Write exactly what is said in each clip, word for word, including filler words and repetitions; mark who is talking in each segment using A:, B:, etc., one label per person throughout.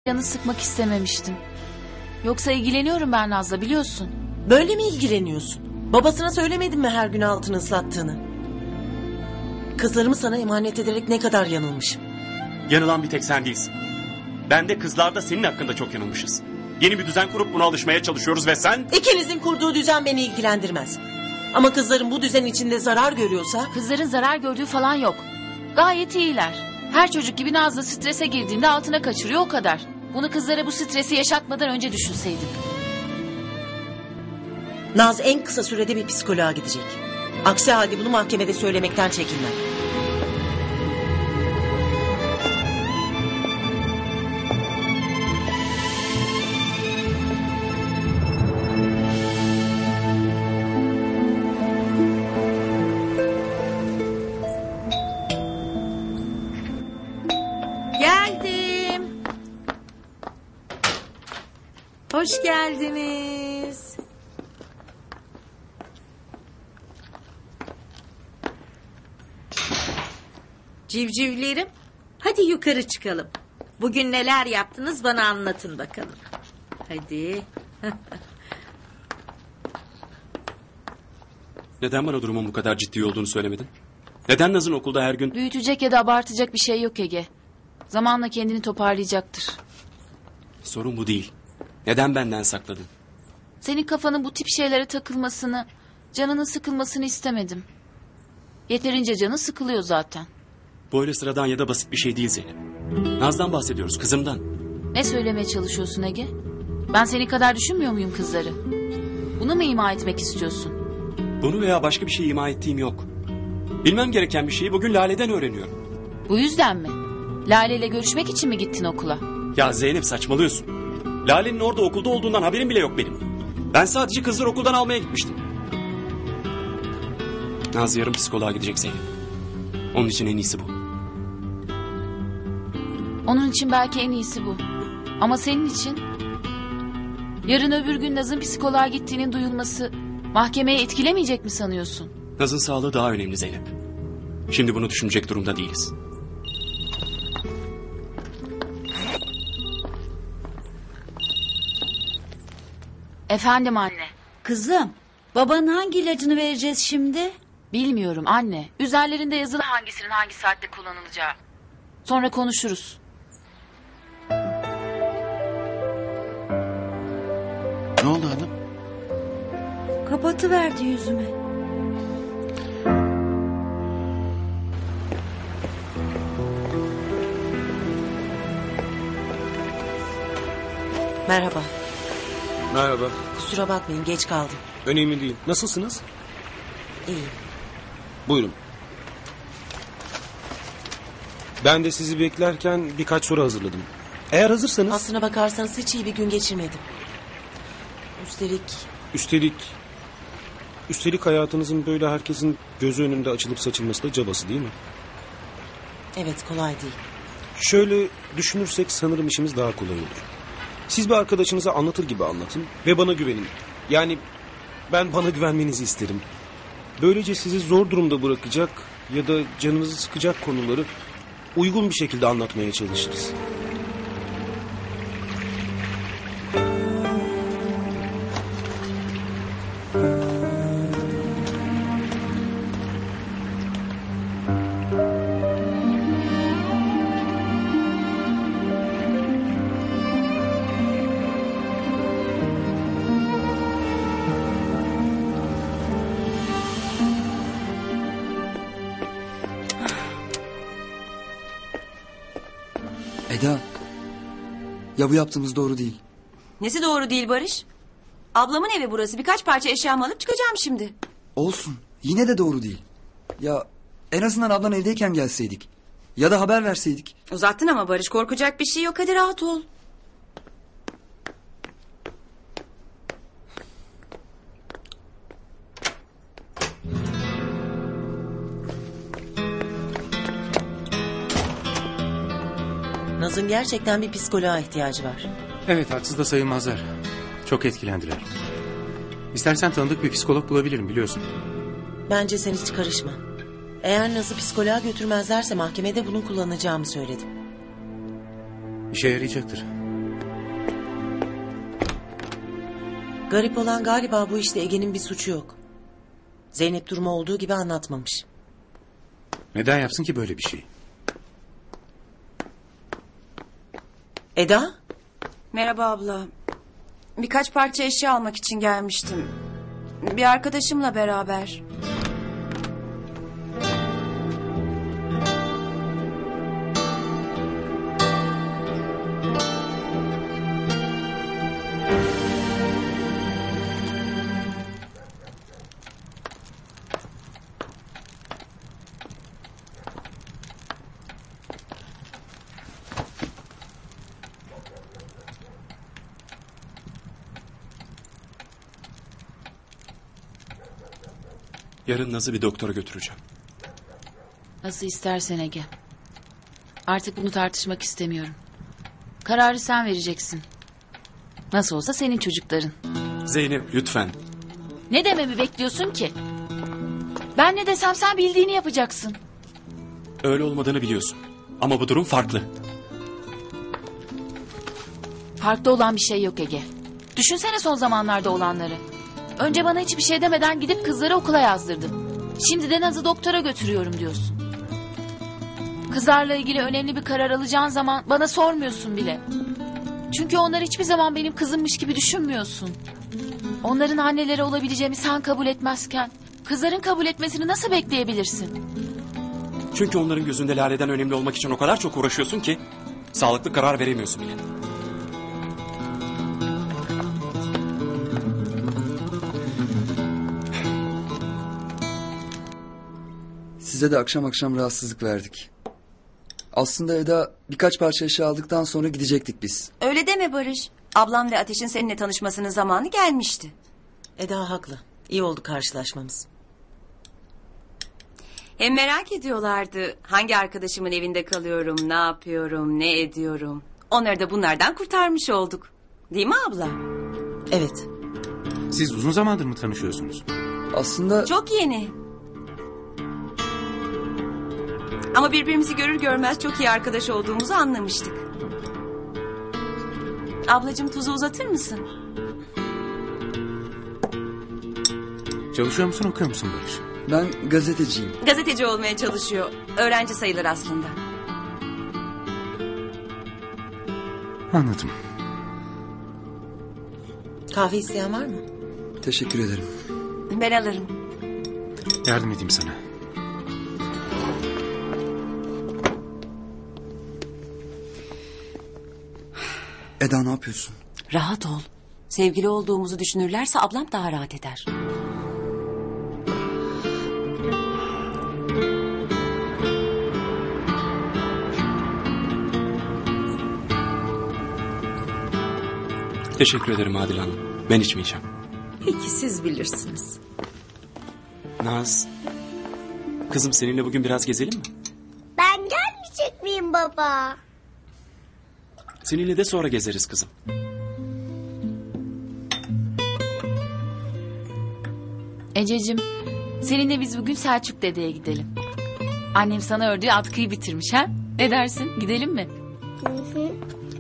A: Canı sıkmak istememiştim. Yoksa ilgileniyorum ben Naz'la, biliyorsun.
B: Böyle mi ilgileniyorsun? Babasına söylemedin mi her gün altını ıslattığını? Kızlarımı sana emanet ederek ne kadar yanılmışım.
C: Yanılan bir tek sen değilsin. Ben de kızlar da senin hakkında çok yanılmışız. Yeni bir düzen kurup buna alışmaya çalışıyoruz ve sen...
B: İkinizin kurduğu düzen beni ilgilendirmez. Ama kızların bu düzen içinde zarar görüyorsa...
A: Kızların zarar gördüğü falan yok. Gayet iyiler. Her çocuk gibi Nazlı strese girdiğinde altına kaçırıyor, o kadar. Bunu kızlara bu stresi yaşatmadan önce düşünseydim.
B: Naz en kısa sürede bir psikoloğa gidecek. Aksi halde bunu mahkemede söylemekten çekinmem.
D: Geldim. Hoş geldiniz. Civcivlerim, hadi yukarı çıkalım. Bugün neler yaptınız bana anlatın bakalım. Hadi.
C: Neden bana durumun bu kadar ciddi olduğunu söylemedin? Neden Naz'ın okulda her gün...
A: Büyütecek ya da abartacak bir şey yok Ege. Zamanla kendini toparlayacaktır.
C: Sorun bu değil. Neden benden sakladın?
A: Senin kafanın bu tip şeylere takılmasını, canının sıkılmasını istemedim. Yeterince canı sıkılıyor zaten.
C: Bu öyle sıradan ya da basit bir şey değil Zeynep. Naz'dan bahsediyoruz, kızımdan.
A: Ne söylemeye çalışıyorsun Ege? Ben seni kadar düşünmüyor muyum kızları? Bunu mu ima etmek istiyorsun?
C: Bunu veya başka bir şey ima ettiğim yok. Bilmem gereken bir şeyi bugün Lale'den öğreniyorum.
A: Bu yüzden mi? Lale ile görüşmek için mi gittin okula?
C: Ya Zeynep, saçmalıyorsun. Lale'nin orada okulda olduğundan haberim bile yok benim. Ben sadece kızları okuldan almaya gitmiştim. Naz yarın psikoloğa gidecek Zeynep. Onun için en iyisi bu.
A: Onun için belki en iyisi bu. Ama senin için... Yarın öbür gün Naz'ın psikoloğa gittiğinin duyulması... mahkemeye etkilemeyecek mi sanıyorsun?
C: Naz'ın sağlığı daha önemli Zeynep. Şimdi bunu düşünecek durumda değiliz.
A: Efendim anne.
D: Kızım, babanın hangi ilacını vereceğiz şimdi?
A: Bilmiyorum anne. Üzerlerinde yazılı hangisinin hangi saatte kullanılacağı. Sonra konuşuruz.
E: Ne oldu hanım?
D: Kapatıverdi yüzüme.
B: Merhaba.
F: Merhaba.
B: Kusura bakmayın, geç kaldım.
F: Önemli değil. Nasılsınız?
B: İyi.
F: Buyurun. Ben de sizi beklerken birkaç soru hazırladım. Eğer hazırsanız...
B: Aslına bakarsanız hiç iyi bir gün geçirmedim. Üstelik...
F: Üstelik... Üstelik hayatınızın böyle herkesin gözü önünde açılıp saçılması da cabası değil mi?
B: Evet, kolay değil.
F: Şöyle düşünürsek sanırım işimiz daha kolay olur. Siz bir arkadaşınıza anlatır gibi anlatın ve bana güvenin. Yani ben bana güvenmenizi isterim. Böylece sizi zor durumda bırakacak ya da canınızı sıkacak konuları uygun bir şekilde anlatmaya çalışırız.
E: Eda. Ya bu yaptığımız doğru değil.
G: Nesi doğru değil Barış? Ablamın evi burası. Birkaç parça eşyamı alıp çıkacağım şimdi.
E: Olsun. Yine de doğru değil. Ya en azından ablan evdeyken gelseydik. Ya da haber verseydik.
G: Uzattın ama Barış, korkacak bir şey yok. Hadi rahat ol.
B: Naz'ın gerçekten bir psikoloğa ihtiyacı var.
H: Evet, haksız da sayılmazlar. Çok etkilendiler. İstersen tanıdık bir psikolog bulabilirim, biliyorsun.
B: Bence sen hiç karışma. Eğer Naz'ı psikoloğa götürmezlerse mahkemede bunu kullanacağımı söyledim.
H: İşe yarayacaktır.
B: Garip olan galiba bu işte Ege'nin bir suçu yok. Zeynep durumu olduğu gibi anlatmamış.
H: Neden yapsın ki böyle bir şey?
B: Eda?
G: Merhaba abla. Birkaç parça eşya almak için gelmiştim. Bir arkadaşımla beraber.
C: Yarın Naz'ı bir doktora götüreceğim.
A: Nasıl istersen Ege. Artık bunu tartışmak istemiyorum. Kararı sen vereceksin. Nasıl olsa senin çocukların.
C: Zeynep lütfen.
A: Ne dememi bekliyorsun ki? Ben ne desem sen bildiğini yapacaksın.
C: Öyle olmadığını biliyorsun. Ama bu durum farklı.
A: Farklı olan bir şey yok Ege. Düşünsene son zamanlarda olanları. Önce bana hiçbir şey demeden gidip kızları okula yazdırdım. Şimdi de Naz'ı doktora götürüyorum diyorsun. Kızlarla ilgili önemli bir karar alacağın zaman bana sormuyorsun bile. Çünkü onlar hiçbir zaman benim kızımmış gibi düşünmüyorsun. Onların anneleri olabileceğimi sen kabul etmezken kızların kabul etmesini nasıl bekleyebilirsin?
C: Çünkü onların gözünde Lale'den önemli olmak için o kadar çok uğraşıyorsun ki sağlıklı karar veremiyorsun bile.
E: Size de akşam akşam rahatsızlık verdik. Aslında Eda birkaç parça eşya aldıktan sonra gidecektik biz.
G: Öyle deme Barış. Ablam ve Ateş'in seninle tanışmasının zamanı gelmişti.
B: Eda haklı. İyi oldu karşılaşmamız.
G: Hem merak ediyorlardı. Hangi arkadaşımın evinde kalıyorum, ne yapıyorum, ne ediyorum. Onları da bunlardan kurtarmış olduk. Değil mi abla?
B: Evet.
H: Siz uzun zamandır mı tanışıyorsunuz?
E: Aslında
G: Çok yeni. Ama birbirimizi görür görmez çok iyi arkadaş olduğumuzu anlamıştık. Ablacığım tuzu uzatır mısın?
H: Çalışıyor musun, okuyor musun Barış?
E: ben gazeteciyim.
G: Gazeteci olmaya çalışıyor. Öğrenci sayılır aslında.
H: Anladım.
B: Kahve isteyen var mı?
E: Teşekkür ederim.
G: Ben alırım.
H: Yardım edeyim sana.
E: Eda ne yapıyorsun?
G: Rahat ol. Sevgili olduğumuzu düşünürlerse ablam daha rahat eder.
C: Teşekkür ederim Adile Hanım. Ben içmeyeceğim.
B: Peki siz bilirsiniz.
C: Naz. Kızım seninle bugün biraz gezelim mi?
I: Ben gelmeyecek miyim baba?
C: Seninle de sonra gezeriz kızım.
A: Ececiğim, seninle biz bugün Selçuk dedeye gidelim. Annem sana ördüğü atkıyı bitirmiş ha? Ne dersin? Gidelim mi?
I: Hı hı.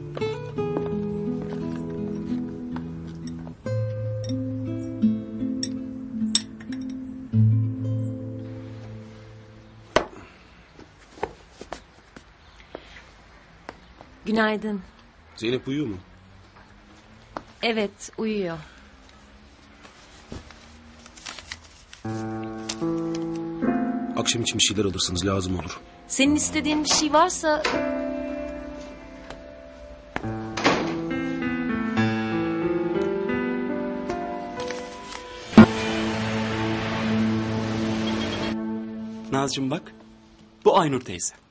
G: Günaydın.
F: Zeynep uyuyor mu?
A: Evet, uyuyor.
F: Akşam için bir şeyler alırsınız, lazım olur.
A: Senin istediğin bir şey varsa...
C: Nazcığım bak. Bu Aynur teyze.